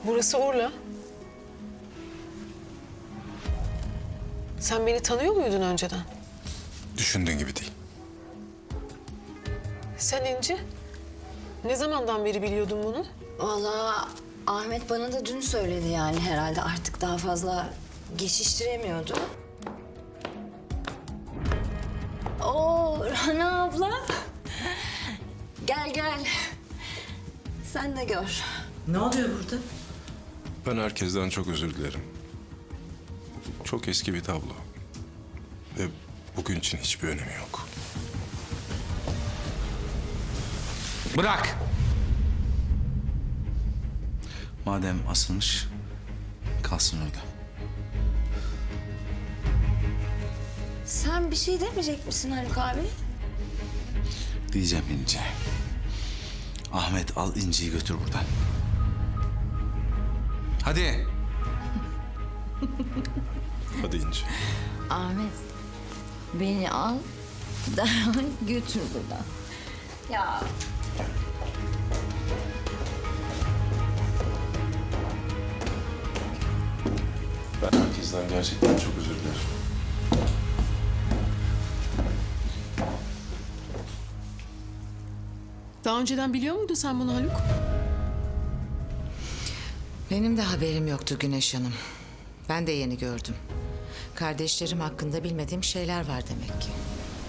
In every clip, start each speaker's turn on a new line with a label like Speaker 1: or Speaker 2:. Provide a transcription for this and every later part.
Speaker 1: Burası Urla. Sen beni tanıyor muydun önceden?
Speaker 2: Düşündüğün gibi değil.
Speaker 1: Sen İnci. Ne zamandan beri biliyordun bunu?
Speaker 3: Vallahi Ahmet bana da dün söyledi yani herhalde artık daha fazla geçiştiremiyordu. Oo Rana abla. Gel gel. Sen de gör.
Speaker 4: Ne oluyor burada?
Speaker 2: Ben herkesten çok özür dilerim. Çok eski bir tablo. Ve bugün için hiçbir önemi yok.
Speaker 5: Bırak! Madem asılmış, kalsın öyle.
Speaker 3: Sen bir şey demeyecek misin Haluk abi?
Speaker 5: Diyeceğim İnci. Ahmet al İnci'yi götür buradan. Hadi.
Speaker 2: Hadi İnci.
Speaker 3: Ahmet beni al derhal götür buradan. Ya
Speaker 2: Ben herkesten gerçekten çok özür dilerim.
Speaker 1: Daha önceden biliyor muydun sen bunu Haluk?
Speaker 4: Benim de haberim yoktu Güneş Hanım. Ben de yeni gördüm. Kardeşlerim hakkında bilmediğim şeyler var demek ki.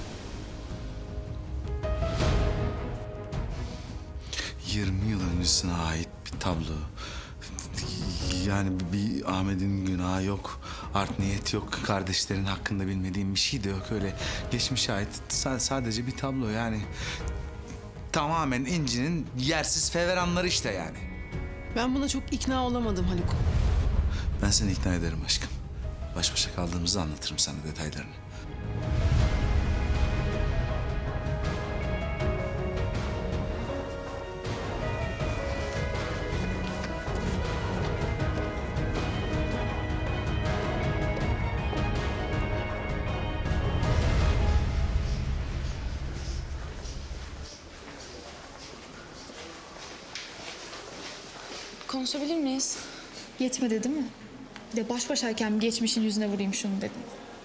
Speaker 5: ...20 yıl öncesine ait bir tablo. Yani bir Ahmet'in günahı yok. Art niyet yok. Kardeşlerin hakkında bilmediğim bir şey de yok. Öyle geçmişe ait sadece bir tablo yani. Tamamen İnci'nin yersiz feveranları işte yani.
Speaker 1: Ben buna çok ikna olamadım Haluk.
Speaker 5: Ben seni ikna ederim aşkım. Baş başa kaldığımızda anlatırım sana detaylarını.
Speaker 6: Konuşabilir miyiz?
Speaker 7: Yetmedi değil mi? Bir de baş başayken bir geçmişin yüzüne vurayım şunu dedim.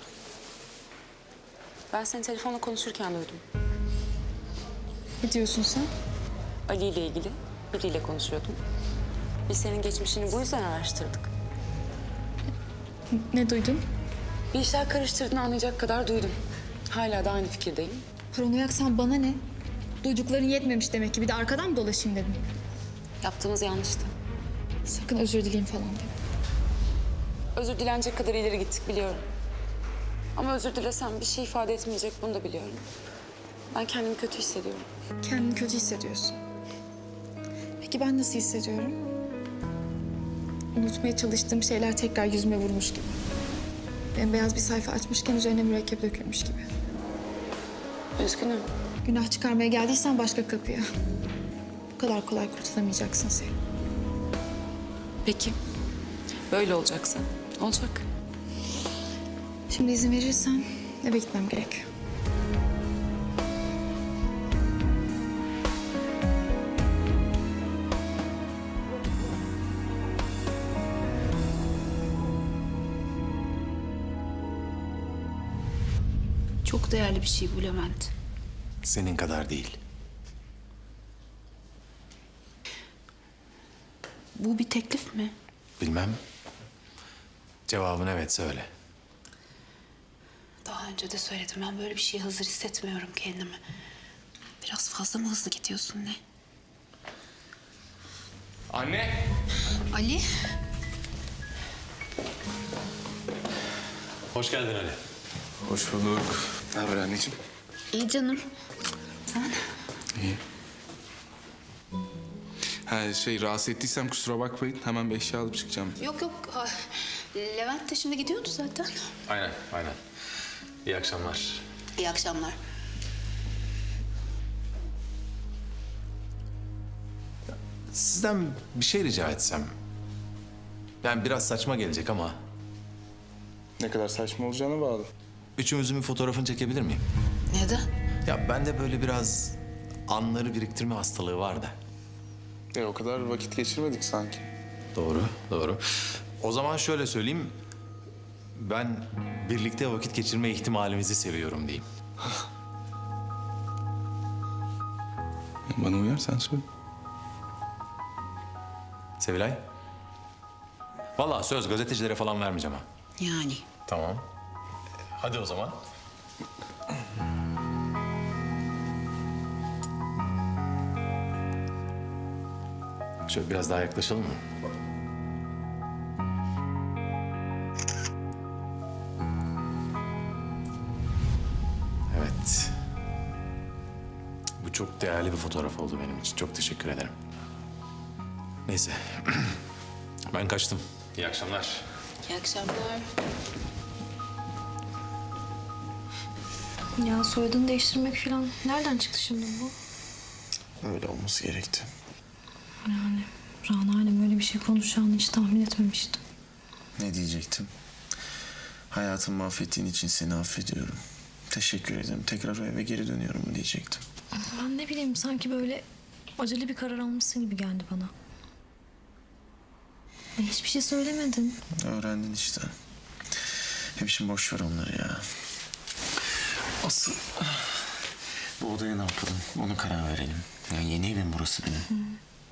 Speaker 6: Ben seni telefonla konuşurken duydum.
Speaker 7: Ne diyorsun sen?
Speaker 6: Ali ile ilgili biriyle konuşuyordum. Biz senin geçmişini bu yüzden araştırdık.
Speaker 7: Ne duydun?
Speaker 6: Bir işler karıştırdığını anlayacak kadar duydum. Hala da aynı fikirdeyim.
Speaker 7: Paranoyaksan bana ne? Duydukların yetmemiş demek ki. Bir de arkadan mı dolaşayım dedim.
Speaker 6: Yaptığımız yanlıştı.
Speaker 7: Sakın özür dileyim falan deme.
Speaker 6: Özür dilenecek kadar ileri gittik biliyorum. Ama özür dilesem bir şey ifade etmeyecek, bunu da biliyorum. Ben kendimi kötü hissediyorum.
Speaker 7: Kendini kötü hissediyorsun. Peki ben nasıl hissediyorum? Unutmaya çalıştığım şeyler tekrar yüzüme vurmuş gibi. Bembeyaz bir sayfa açmışken üzerine mürekkep dökülmüş gibi.
Speaker 6: Üzgünüm.
Speaker 7: Günah çıkarmaya geldiysen başka kapıya. Bu kadar kolay kurtulamayacaksın sen.
Speaker 6: Peki. Böyle olacaksa olacak.
Speaker 7: Şimdi izin verirsen eve gitmem gerekiyor.
Speaker 8: Çok değerli bir şey bu Levent.
Speaker 2: Senin kadar değil.
Speaker 8: Bu bir teklif mi?
Speaker 2: Bilmem. Cevabın evet söyle.
Speaker 8: Daha önce de söyledim. Ben böyle bir şeye hazır hissetmiyorum kendimi. Biraz fazla mı hızlı gidiyorsun ne?
Speaker 2: Anne!
Speaker 8: Ali.
Speaker 9: Hoş geldin Ali.
Speaker 2: Hoş bulduk. Ne haber anneciğim?
Speaker 8: İyi canım.
Speaker 5: İyi. Ha rahatsız ettiysem kusura bakmayın. Hemen bir eşya alıp çıkacağım.
Speaker 8: Yok yok. Levent de şimdi gidiyordu zaten.
Speaker 9: Aynen. İyi akşamlar.
Speaker 8: İyi akşamlar.
Speaker 9: Sizden bir şey rica etsem. Yani biraz saçma gelecek ama
Speaker 2: Ne kadar saçma olacağına bağlı.
Speaker 9: üçümüzün bir fotoğrafını çekebilir miyim?
Speaker 8: Neden?
Speaker 9: Ya bende böyle biraz anları biriktirme hastalığı var da.
Speaker 2: O kadar vakit geçirmedik sanki.
Speaker 9: Doğru, doğru. O zaman şöyle söyleyeyim. Ben birlikte vakit geçirme ihtimalimizi seviyorum diyeyim.
Speaker 2: Bana uyar sen söyle.
Speaker 9: Sevilay. Vallahi söz gazetecilere falan vermeyeceğim ha.
Speaker 8: Yani.
Speaker 9: Tamam. Hadi o zaman. Şöyle biraz daha yaklaşalım mı? Evet. Bu çok değerli bir fotoğraf oldu benim için. Çok teşekkür ederim. Neyse. Ben kaçtım. İyi akşamlar.
Speaker 8: İyi akşamlar.
Speaker 10: Ya soyadını değiştirmek falan nereden çıktı şimdi bu?
Speaker 11: Öyle olması gerekti.
Speaker 10: Yani Rana ile böyle bir şey konuşacağını hiç tahmin etmemiştim.
Speaker 11: Ne diyecektim? Hayatımı mahvettiğin için seni affediyorum. Teşekkür ederim. Tekrar o eve geri dönüyorum mu diyecektim.
Speaker 10: Ben ne bileyim sanki böyle acele bir karar almışsın gibi geldi bana. Hiçbir şey söylemedin.
Speaker 11: Öğrendin işte. Hep şimdi boş ver onları ya. Asıl bu odaya ne yapalım? Onu karar verelim. Yani yeni evim burası benim.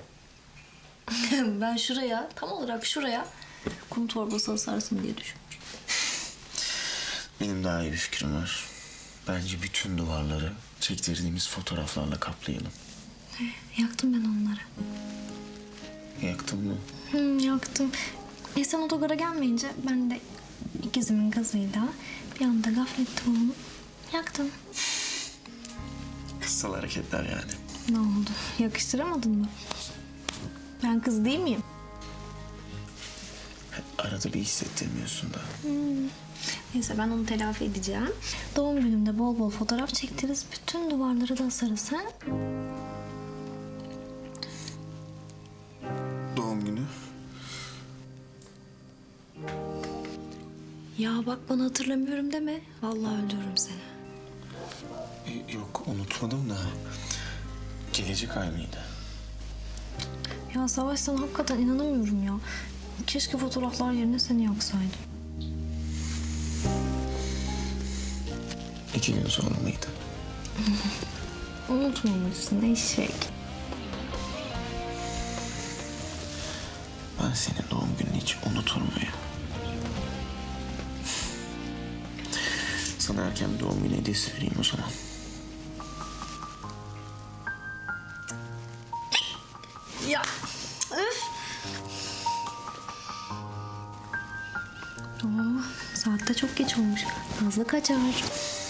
Speaker 10: Ben şuraya, tam olarak şuraya kum torbası asarsın diye düşünmüştüm.
Speaker 11: Benim daha iyi bir fikrim var. Bence bütün duvarları çektirdiğimiz fotoğraflarla kaplayalım.
Speaker 10: Yaktım ben onları.
Speaker 11: Yaktın mı?
Speaker 10: Yaktım. Sen otogara gelmeyince ben de ikizimin gazıyla bir anda gaflette bulunup yaktım.
Speaker 11: Kıssal hareketler yani.
Speaker 10: Ne oldu? Yakıştıramadın mı? Ben kız değil miyim?
Speaker 11: Arada bir hissettirmiyorsun da.
Speaker 10: Neyse ben onu telafi edeceğim. Doğum günümde bol bol fotoğraf çektiririz. Bütün duvarları da asarız ha?
Speaker 11: Doğum günü.
Speaker 10: Ya bak bana hatırlamıyorum deme. Vallahi öldürürüm seni.
Speaker 11: Yok unutmadım da. Gelecek ay mıydı?
Speaker 10: Ya Savaş sana hakikaten inanamıyorum ya. Keşke fotoğraflar yerine seni yaksaydım.
Speaker 11: 2 gün sonra mıydı?
Speaker 10: Unutmamışsın eşek.
Speaker 11: Ben senin doğum gününü hiç unutur muyum? Sana erken bir doğum günü hediyesi vereyim o zaman.
Speaker 10: Ya öf. Saat de çok geç olmuş. Nazlı kaçar.